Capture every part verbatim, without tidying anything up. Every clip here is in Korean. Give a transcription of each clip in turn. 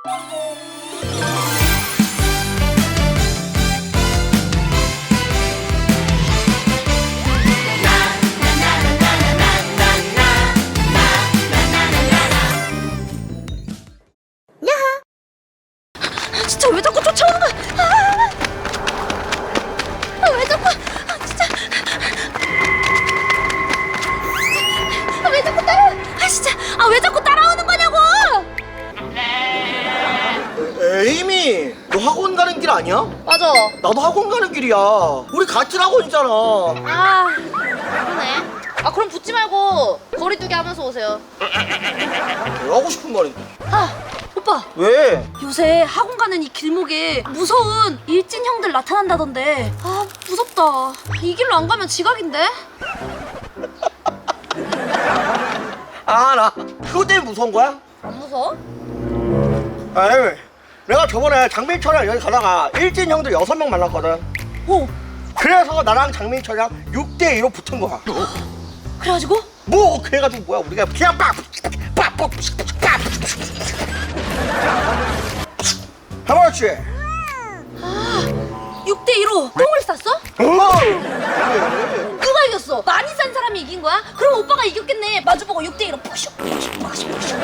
진짜 왜 자꾸 쫓아오는 거야? 아, 왜 자꾸? 아, 진짜. 아, 왜 자꾸 따라? 아, 진짜. 아, 왜 자꾸 따라오는 거냐고? 에이미, 너 학원 가는 길 아니야? 맞아. 나도 학원 가는 길이야. 우리 같은 학원이잖아. 아, 그러네. 아, 그럼 붙지 말고 거리 두기 하면서 오세요. 내가 하고 싶은 말인데. 아, 오빠. 왜? 요새 학원 가는 이 길목에 무서운 일진 형들 나타난다던데. 아, 무섭다. 이 길로 안 가면 지각인데? 아, 나 그것 때문에 무서운 거야? 안 무서워? 에이, 내가 저번에 장민철이랑 여기 가다가 일진 형들 여섯 명 만났거든. 오, 그래서 나랑 장민철이랑 육 대 이로 붙은 거야. 그래가지고? 뭐 그래가지고 뭐야, 우리가 그냥 빡! 빡! 빡! 빡! 해봤지? 아, 육 대 이로 똥을 쌌어? 어! 누가 이겼어? 많이 싼 사람이 이긴 거야? 그럼 오빠가 이겼겠네. 마주보고 육 대 이로 푸슉 푸슉 푸슉 푸슉.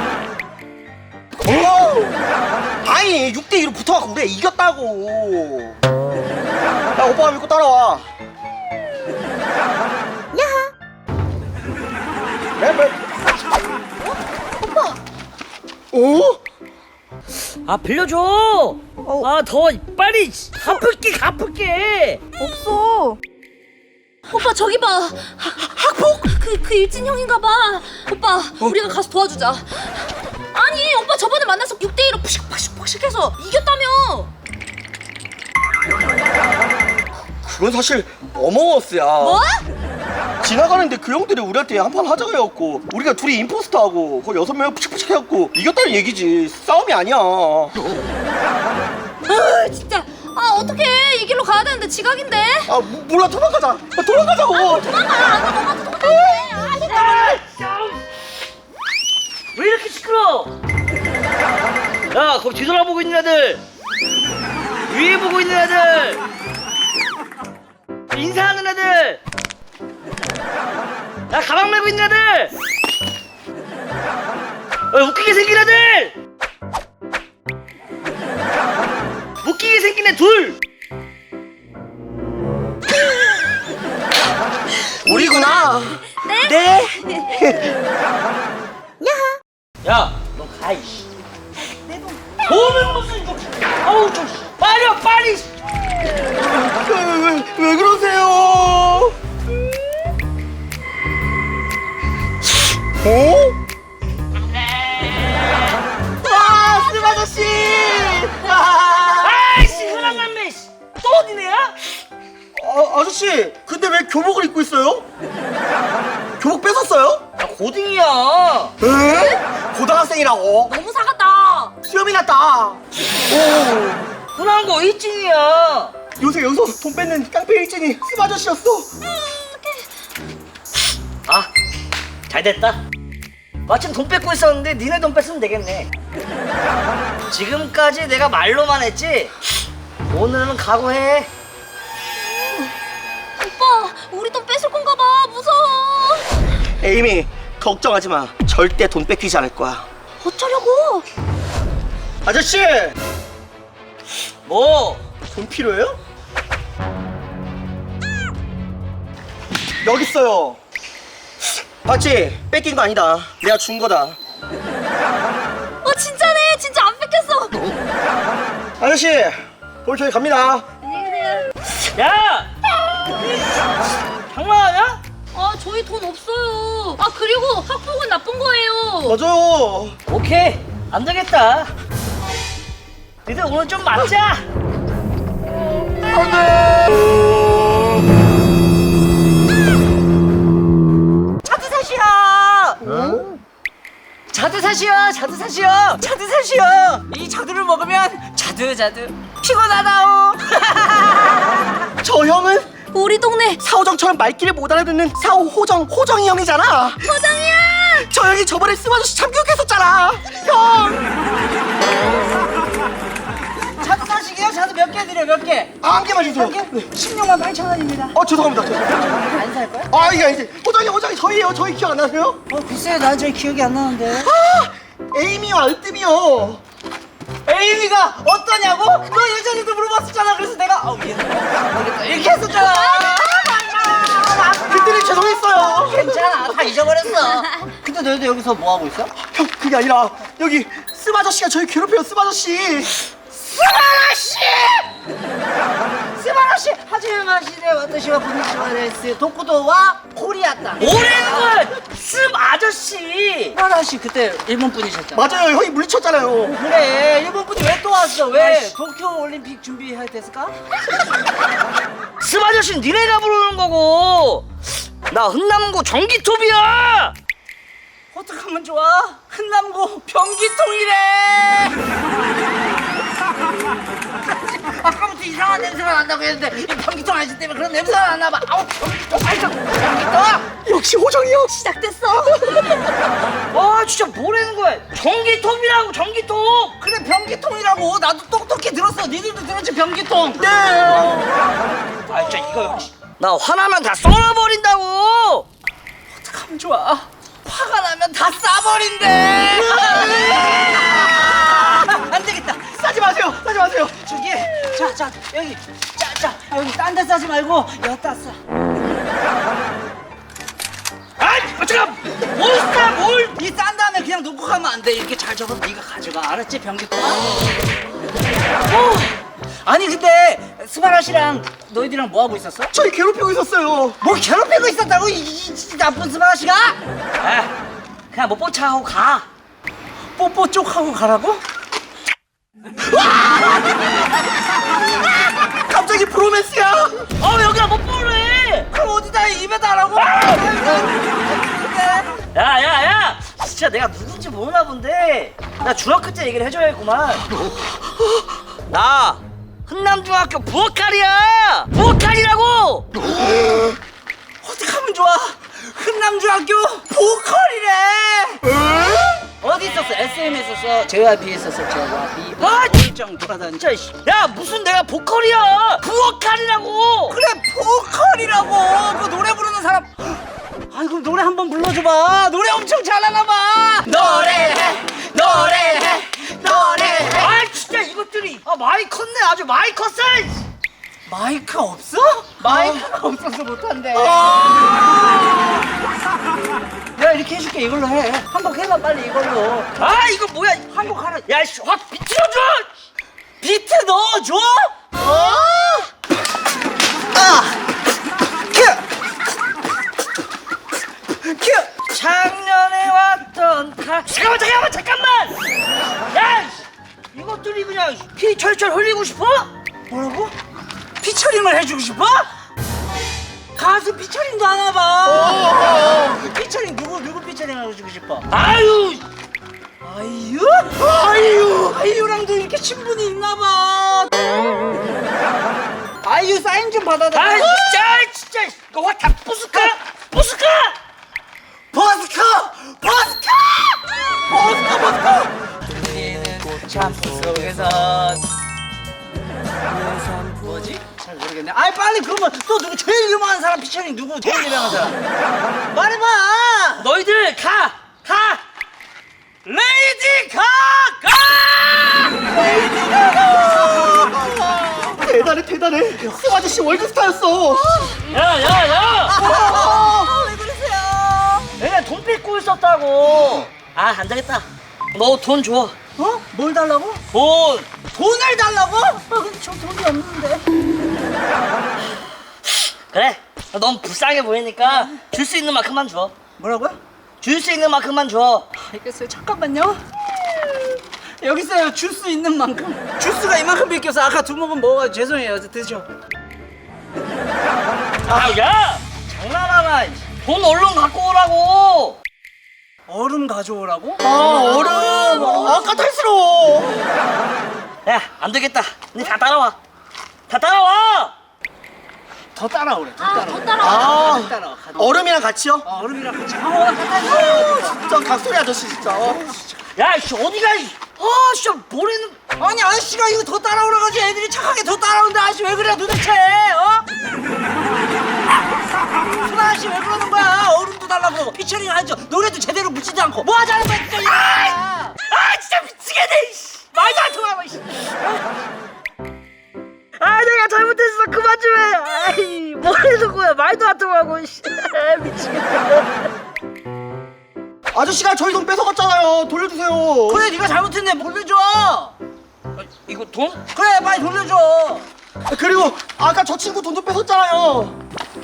어! 아니, 육 대 이로 붙어갖고 우리가 이겼다고. 야, 오빠가 믿고 따라와. 야하. 네, 네. 오빠. 오? 아 빌려줘. 아 더 빨리 갚을게 갚을게. 없어. 오빠 저기 봐. 하, 학폭? 그, 그 일진 형인가 봐. 오빠 우리가 가서 도와주자. 아니 오빠 저번에 만나서 육 대 이로 푸슉 푸슉 푸슉 해서 이겼다며. 그건 사실 어머워스야. 뭐? 지나가는데 그 형들이 우리한테 한판 하자고 해갖고 우리가 둘이 임포스터하고 거기 여섯 명 푸식푸식 해갖고 이겼다는 얘기지. 싸움이 아니야. 아 진짜. 아 어떡해. 이 길로 가야 되는데 지각인데. 아 모- 몰라, 도망가자. 아, 도망가자고. 도망가. 안 가면 오빠도 똑같은데. 아 진짜. 왜 이렇게 시끄러? 야 거기 뒤돌아보고 있는 애들, 위에 보고 있는 애들, 인사하는 애들, 야 가방 메고 있는 애들, 야, 웃기게 생긴 애들, 웃기게 생긴 애 둘. 우리구나. 네? 야, 너 가, 이씨. 내 돈. 돈은 무슨 좀. 어우, 좀. 빨리 와, 빨리. 왜, 왜, 왜 그러세요? 어? 아, 스 아저씨! 아, 아이씨, 흔한 남매, 씨. 또 어디네야? 아, 아저씨, 근데 왜 교복을 입고 있어요? 교복 뺏었어요? 나 고딩이야. 에? 고등학생이라고? 너무 사갔다. 수염이 났다. 오, 흔한 거 일진이야. 요새 여기서 돈 뺏는 깡패 일진이 스 아저씨였어. 아, 잘 됐다. 마침 돈 뺏고 있었는데 니네 돈 뺏으면 되겠네. 지금까지 내가 말로만 했지? 오늘은 각오해. 오빠 우리 돈 뺏을 건가 봐. 무서워. 에이미, 걱정하지 마. 절대 돈 뺏기지 않을 거야. 어쩌려고? 아저씨, 뭐? 돈 필요해요? 여기 있어요. 봤지? 뺏긴 거 아니다. 내가 준 거다. 어 진짜네. 진짜 안 뺏겼어. 아저씨, 오늘 저희 갑니다. 안녕히 계세요. 야! 장난하냐? 아 저희 돈 없어요. 아 그리고 학폭은 나쁜 거예요. 맞아요. 오케이, 안 되겠다. 니들 오늘 좀 맞자. 자두사시야. 응? 자두사시야, 자두사시야, 자두사시야. 이 자두를 먹으면 자두자두 피곤하다오. 저 형은 우리 동네 사호정처럼 말귀를 못 알아듣는 사호호정, 호정이 형이잖아. 포장이야. 저 형이 저번에 스마저씨 참교육했었잖아. 형. 드려 몇 개? 아, 한 개만 주세요. 한 개? 십육만 팔천 원입니다. 어, 죄송합니다. 죄송합니다. 안 살 거야? 아, 이게 아니지. 호장이, 호장이 저희예요. 저희 기억 안 나세요? 어 글쎄요 난 잘 기억이 안 나는데. 아, 에이미요, 알뜸이요. 에이미가 어떠냐고? 너 예전에도 물어봤었잖아. 그래서 내가 어 미안해 이렇게 했었잖아. 그때는 죄송했어요. 괜찮아 다 잊어버렸어. 근데 너희도 여기서 뭐 하고 있어? 형, 그게 아니라 여기 씀 아저씨가 저희 괴롭혀요. 씀 아저씨. 스바라시! 스바라시! 하지마 시대 와타시와 분이시와 레스 도쿠도와 코리아다. 뭐라는 습 아저씨! 스바라시 그때 일본 분이셨잖아. 맞아요. 형이 물리쳤잖아요. 그래 일본 분이 왜 또 왔어? 왜? 도쿄 올림픽 준비해야 됐을까? 습 아저씨는 니네가 부르는 거고 나 흔남고 전기톱이야. 어떡하면 좋아? 흔남고 변기통이래! 아까부터 이상한 냄새가 난다고 했는데 이 변기통 아저씨 때문에 그런 냄새가 났나봐. 아우 변기통 아이고 변기통! 역시 호정이 형. 시작됐어. 아 진짜 뭐라는 거야. 전기톱이라고 전기톱. 그래 변기통이라고 나도 똑똑히 들었어. 니들도 들었지 변기통? 네. 아 진짜 이거 나 화나면 다 썰어버린다고. 어떡하면 좋아? 화가 나면 다 싸버린대. 안 되겠다. 싸지 마세요. 싸지 마세요. 저기, 자, 자, 여기, 자, 자, 여기 딴 데 싸지 말고 여기다 싸. 아이 잠깐 뭘 싸, 뭘. 이 싼 다음에 그냥 놓고 가면 안 돼. 이렇게 잘 접어서 네가 가져가. 알았지, 변기통? 어. 아니 근데 스바라 씨랑 너희들이랑 뭐 하고 있었어? 저희 괴롭히고 있었어요. 뭘 괴롭히고 있었다고? 이, 이, 이 나쁜 스바라 씨가? 아 그냥 뭐 뽀차하고 가. 뽀뽀 쪽 하고 가라고? 갑자기 브로맨스야. 어 여기가 뭐 뽀래. 그럼 어디다 입에다 하라고? 야야야 진짜 내가 누군지 모르나 본데 나 중학교 때 얘기를 해줘야겠구만. 나 흔남중학교 부엌칼이야. 부엌칼이라고. 어떡하면 좋아? 흔남중학교 보컬이래. 어디 있었어? 에스엠에 있었어? 제이와이피에 있었어? 제이와이피 아 일정 돌아다니. 진짜 씨. 야 무슨 내가 보컬이야. 부엌칼이라고. 그래 보컬이라고. 그 노래 부르는 사람. 아이고 노래 한번 불러줘봐. 노래 엄청 잘하나봐. 노래해 노래해 노래해. 아 진짜 이것들이 아 많이 컸네. 아주 많이 컸어. 마이크 없어? 마이크가 없어서 못한대. 내가 이렇게 해줄게. 이걸로 해. 한곡 해봐 빨리 이걸로. 아 이거 뭐야. 한곡 하라. 야씨 확 비틀어줘. 비트 넣어줘? 어? 아! 큐! 큐! 작년에 왔던 가 잠깐만 잠깐만 잠깐만. 야 씨. 이것들이 그냥 피 철철 흘리고 싶어? 뭐라고? 피처링을 해주고 싶어? 가수 피처링도 하나봐. 피처링 누구 누구 피처링 해주고 싶어? 아유 아이유? 아이유! 아이유랑도 이렇게 친분이 있나봐. 아이유 사인 좀 받아달라. 아 진짜 진짜 이거 확 다 부술까? 부술까? 버스커! 버스커! 버스커 버스커! 참 속에서 뭐지? 잘 모르겠네. 아이 빨리 그러면 또 누구 제일 유명한 사람 피처링 누구 제일 유명한 사람? 말해봐. 너희들 가! 가! 레이디 가가! 대단해, 대단해. 씀 아저씨 월드스타였어. 야야야! 왜 그러세요? 내가 돈 뺏고 있었다고. 아 안되겠다. 너 돈 줘. 어? 뭘 달라고? 돈. 돈을 달라고? 아 근데 저 돈이 없는데. 그래. 너무 불쌍해 보이니까 줄 수 있는 만큼만 줘. 뭐라고요? 줄 수 있는 만큼만 줘. 알겠어요. 잠깐만요. 여기 있어요. 줄 수 있는 만큼. 주스가 이만큼 비껴서 아까 두 모금 먹어가지고 죄송해요. 드셔. 아 야! 장난하나. 돈 얼른 갖고 오라고. 얼음 가져오라고? 아, 얼음. 아, 까탈스러워. 야 안되겠다. 니 다 따라와. 다 따라와. 더 따라오래. 더 아, 따라와. 더 따라와. 아, 더 따라와. 가자. 얼음이랑 같이요? 어, 얼음이랑 같이. 아, 가자. 진짜 각소리 아저씨 진짜. 어. 야이씨 어디가 이 아 진짜 뭐래는 아니 아저씨가 이거 더 따라오라 가지 애들이 착하게 더 따라오는데 아저씨 왜 그래 도대체 어? 순아 아저씨 왜 그러는 거야 얼음도 달라고 피처링 하죠 노래도 제대로 묻지도 않고 뭐 하자는 거야 진짜 이거 아, 아 진짜 미치겠네 이씨. 말도 안 통하고 이씨. 아 내가 잘못했어 그만 좀 해. 아이 뭐라는 거야 말도 안 통하고 씨. 미치겠다. 아저씨가 저희 돈 뺏어갔잖아요. 돌려주세요. 그래 네가 잘못했네 돌려줘 아, 이거 돈? 그래 빨리 돌려줘 그리고 아까 저 친구 돈 좀 뺏었잖아요.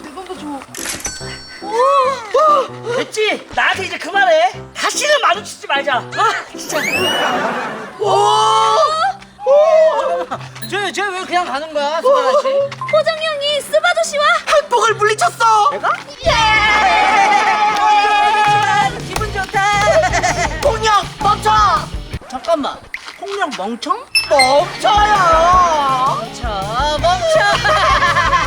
됐지? 나한테 이제 그만해. 다시는 마주치지 말자. 아 진짜. 쟤쟤왜 그냥 가는 거야 수아 아저씨 호정 형이 습 아저씨와 한복을 물리쳤어. 내가? 예! 기분 좋다. 공룡 멈춰. 잠깐만. 폭력 멍청? 멈춰요. 멈춰, 멈춰.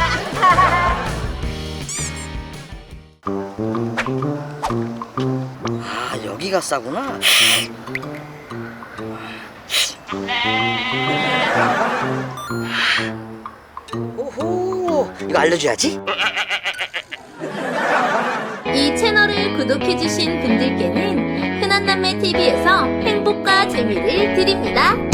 아, 여기가 싸구나. 오호, 이거 알려줘야지. 이 채널을 구독해주신 분들께는 흔한남매 티비에서 행복과 재미를 드립니다.